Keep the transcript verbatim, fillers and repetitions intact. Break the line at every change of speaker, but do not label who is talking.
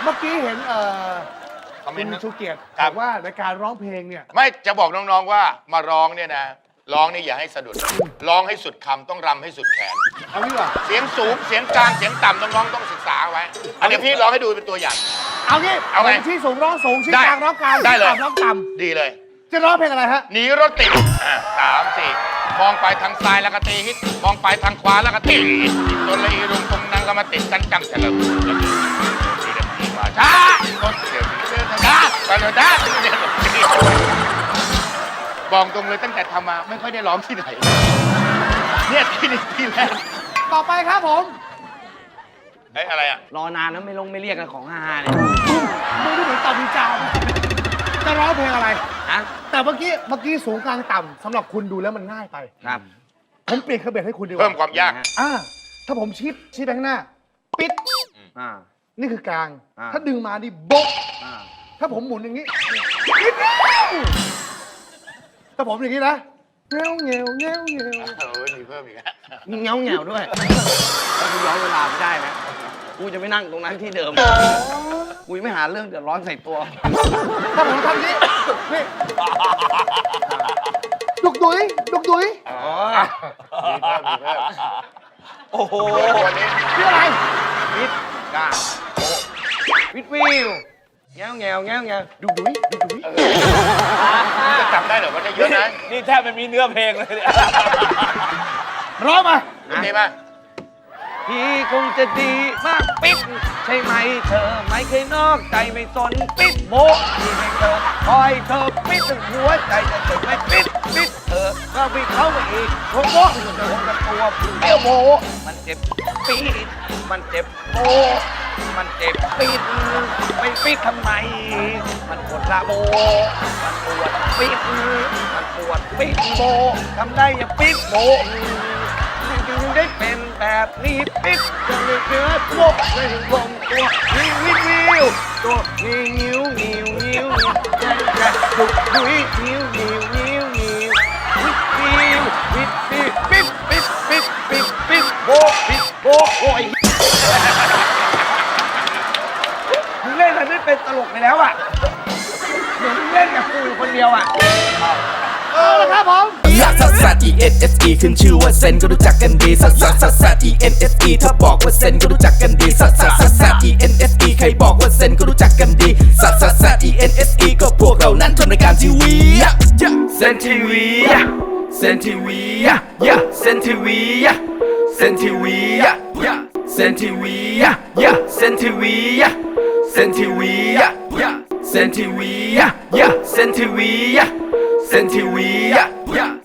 มื่อกี้เห็นเอ่อ
คอมเม
คุ
น
ณ
ต์
ชูเกียรติ
ครับ
บอกว่าในการร้องเพลงเนี่ย
ไม่จะบอกน้องๆว่ามาร้องเนี่ยนะร้องนี่อย่าให้สะดุดร้องให้สุดคำต้องรำให้สุดแขน
เอางี้ดีกว่า
เสียงสูงเสียงกลางเสียงต่ำน้องๆต้องศึกษาไว้อันเดี๋ยวพี่ร้องให้ดูเป็นตัวอย่าง
เอางี้
เอาไง
ผมชี้สูงร้องสูงชี้
ได้
กลางร้องกลาง
ได้เลย
ชี้ต่ำร้องต่
ดีเลย
ำจะร้องเพลงอะไรฮะ
หนีรถติดอ่ะสามสี่มองไปทางซ้ายแล้วก็ตีฮิตมองไปทางขวาแล้วก็ตีฮิตจนเลยอีรุงตรงนั้นก็มาติดกันจังเฉลิมแล้วดีดีดีมาช้าคนเดี๋ยวนี้เดินช้าไปเลยช้าบอกตรงเลยตั้งแต่ทำมาไม่ค่อยได้ร้องที่ไหนเนี่ยที่นี่ที่แรก
ต่อไปครับผม
เอ้ยอะไรอ่ะ
รอนานแล้วไม่ลงไม่เรียกกันของฮาๆเนี่ย
มือดูเหมือนต่ำมีจาวจะร้องเพลงอะไร
ฮะ
แต่เมื่อกี้เมื่อกี้สูงกลางต่ำสำหรับคุณดูแล้วมันง่ายไป
ครับ
ผมเปลี่ยนเครื่องเบสให้คุณดีกว่า
เพิ่มความยาก
อ่าถ้าผมชี้ชี้ไปข้างหน้า ปิด
อ่า
นี่คือกลาง
อ่า
ถ้าดึงมานี่โบ๊ะ
อ่า
ถ้าผมหมุนอย่างนี้ปิดแล้วถ้าผมอย่างนี้นะเงี้ยวเงี้ยวเงี้ยวเงี้ยว
เออมีเพิ่มอีกแล้ว
มีเงาเงาด้วยถ้ากูย้อนเวลาไม่ได้นะกูจะไม่นั่งตรงนั้นที่เดิมกูไม่หาเรื่องเดือดร้อนใส่ตัว
ถ้าผมทำนี้นี่ดุกดุยดุกดุย
อ๋อ
มีเพิ่มมีเพิ่ม
โอ้โห
วันนี้
นี่อะไร
วิทกาโอ้วิทวิวแงวแงวแงวแงวดุดุยดุดุย
จะจำได้เหรอว่าได้เยอะนะ
นี่แทบไม่มีเนื้อเพลงเลยเนี่ย
ร้องมา
โอเคไหม
พี่คงจะดีมากปิ๊ดใช่ไหมเธอไม่เคยนอกใจไม่สนปิ๊ดโบที่ให้เธอคอยเธอปิ๊ดจนหัวใจจะถึงไม่ปิ๊ดปิ๊ดเธอก็ไปเข้ามาอีกโบโบโดนกับตัวเอวโบมันเจ็บปี๊ดมันเจ็บโบมันเจ็บปี๊ดไม่ปิ๊ดทำไม มันปวดละโบมันปวดปี๊ดมันปวดปี๊ดโบทำได้อย่าปิ๊ดโบจึงได้เป็นแบบนี้ปิ๊ดจนเลยเกิดโบเลยถึงลงตัววิววิววิวตัวนิ้วนิ้วนิ้วนิ้วใจใจดุดุยนิ้วนิ้วนิ้วนิ้ววิววิววิวปิ๊ดปิ๊ดปิ๊ดปิ๊ดปิ๊ดโบปิ๊ดโบโอ้ยมึงเล่นมันไม่เป็นตลกไปแล้วอ่ะเหมือนมึงเล่นกับกูอยู่คนเดียวอ่ะ
เอาละครับผม
ลักซัสซัส E N S E ขึ้นชื่อว่าเซนก็รู้จักกันดีซัสซัสซัสซัส E N S E ถ้าบอกว่าเซนก็รู้จักกันดีซัสซัสซัสซัส E N S E ใครบอกว่าเซนก็รู้จักกันดีซัสซัสซัส E N S E ก็พวกเรานั้นทำรายการทีวีเซนทีวีเซนทีวีเซนทีวีเซนทีวีเซนทีวีเซนทีวีเซนทีวีเซนทีวีเซนทีวีเซนทีวี